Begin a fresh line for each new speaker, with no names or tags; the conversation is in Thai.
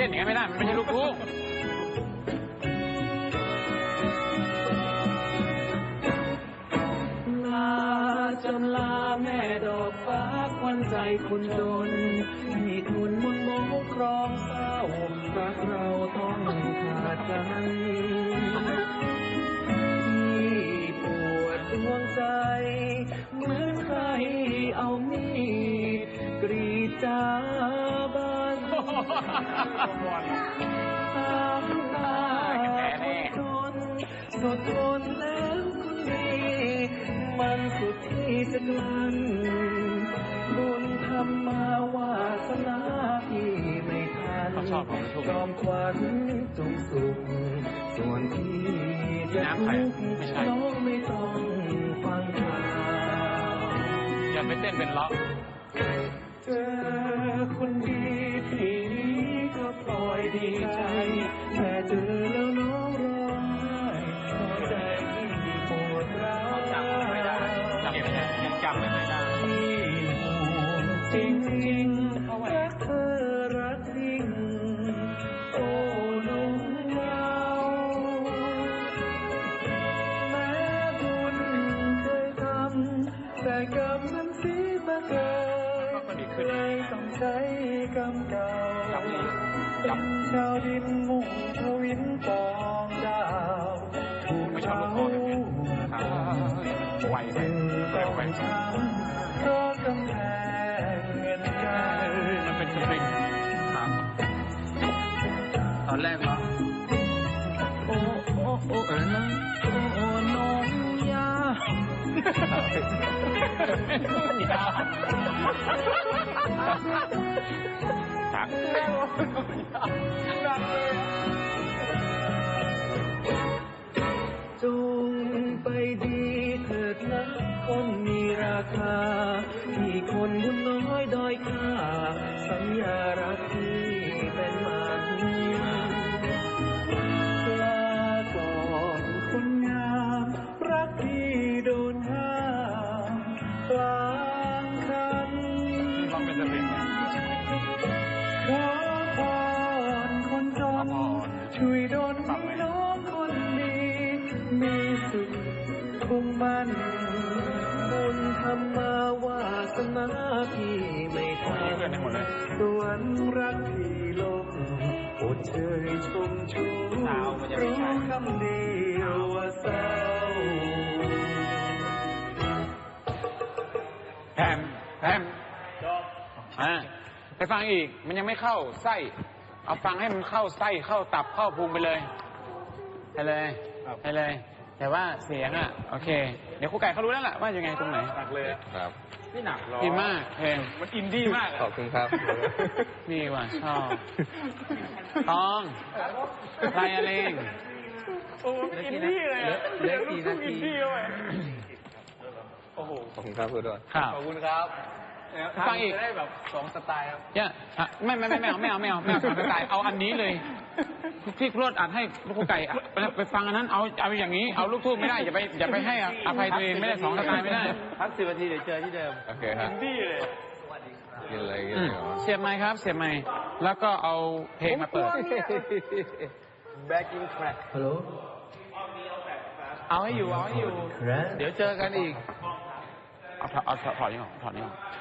นอย่างนี้ไม่ได้มันไม่ใช่ลูกทุ่ง
ลาจนลาแม่ดอกฟ้าควันใจคนจนให้คุณมนต์มองครองเศร้ารักเราต้องขาดกันที่ปวดดวงใจเหมือนใครเอามีดกรีดจาบ้านตามตาคนจนสุดทนแล้วคนดีมันสุดที่จะกลั้นบุญทำมาวาสนาที่ไม่ทันจอมควันจงสุขส่วนที่จะทุกข์น้องไม่ต้องฟังข่าว
อย่าไปเต้นเป็นล็อก
เจอคนดีที่นี้ก็ปล่อยดีใจแต่เจอแล้วน้องร้องไห้ใจที่ปวดร้าว
จำไม่ได้ยังจำไม่ได้
ที่ห่วงจริงๆรักเธอรักจริงโอ้ลุงเราแม้บุญเคยทำแต่กรรมนั้นเสียมาเกินเลยต้องใช้กรรมเก่าเป็นชาวดินมุ่งทวินปองดาวถูกเผา
ไหวไป
ต้องช้ำเพราะกำแพงเงินใจ
มันเป็นสปริงครับตอนแรกเหรอ
โอ้นะโอ้น้องยา
ครับ
จงไปดีเถิดนะคนมีราคาที่คนบุญน้อยด้อยค่าสัญญารักที่เป็นมันลาก่อนคนงามรักที่โดนห้ามกลางคัน
ลองเป็นสปริง
ขอพรคนจนช่วยโดนน้องคนดีมีสุขคงมันบุญทำมาวาสนาที่ไม่ทันสวนรักที่ลงอดเชยชมชูรู้คำเดียวว่าเศร้า
แฮมไปฟังอีกมันยังไม่เข้าไส้เอาฟังให้มันเข้าไส้เข้าตับเข้าพุงไปเลยไปเลยแต่ว่าเสียงโอเคเดี๋ยวครูไก่เขารู้แล้วล่ะว่ายังไงตรงไหน
หนักเลยครับ
ไม่หนักหรอกดีมากเพลง
มันอินดี้มาก
ขอบคุณครับนี่ว่ะชอบตองใครอะไร
โอ้อินดี้เลย
เล็กกี่นาที
โอ้โห
ขอบคุณครับคุณด้วย
ขอบคุณครับ
ฟังอีก
ได้แบบ2 สไตล์ครับ
เนี่ยไม่เอา2 สไตล์เอาอันนี้เลยที่ครูอัดให้ลูกครูไก่ไปฟังอันนั้นเอาอย่างนี้เอาลูกทุ่งไม่ได้อย่าไปให้อภัยตัวเองไม่ได้2 สไตล์ไม่ได้
พัก10 นาทีเดี๋ยวเจอที่เดิม
โอเคครับ
ดีเลย
กินอะไรเสียบไมค์ครับเสียบไมค์แล้วก็เอาเพลงมาเปิด
backing track
ฮัลโหล
เอาให้อยู่เดี๋ยวเจอกันอีก
เอาถอดนี่ออก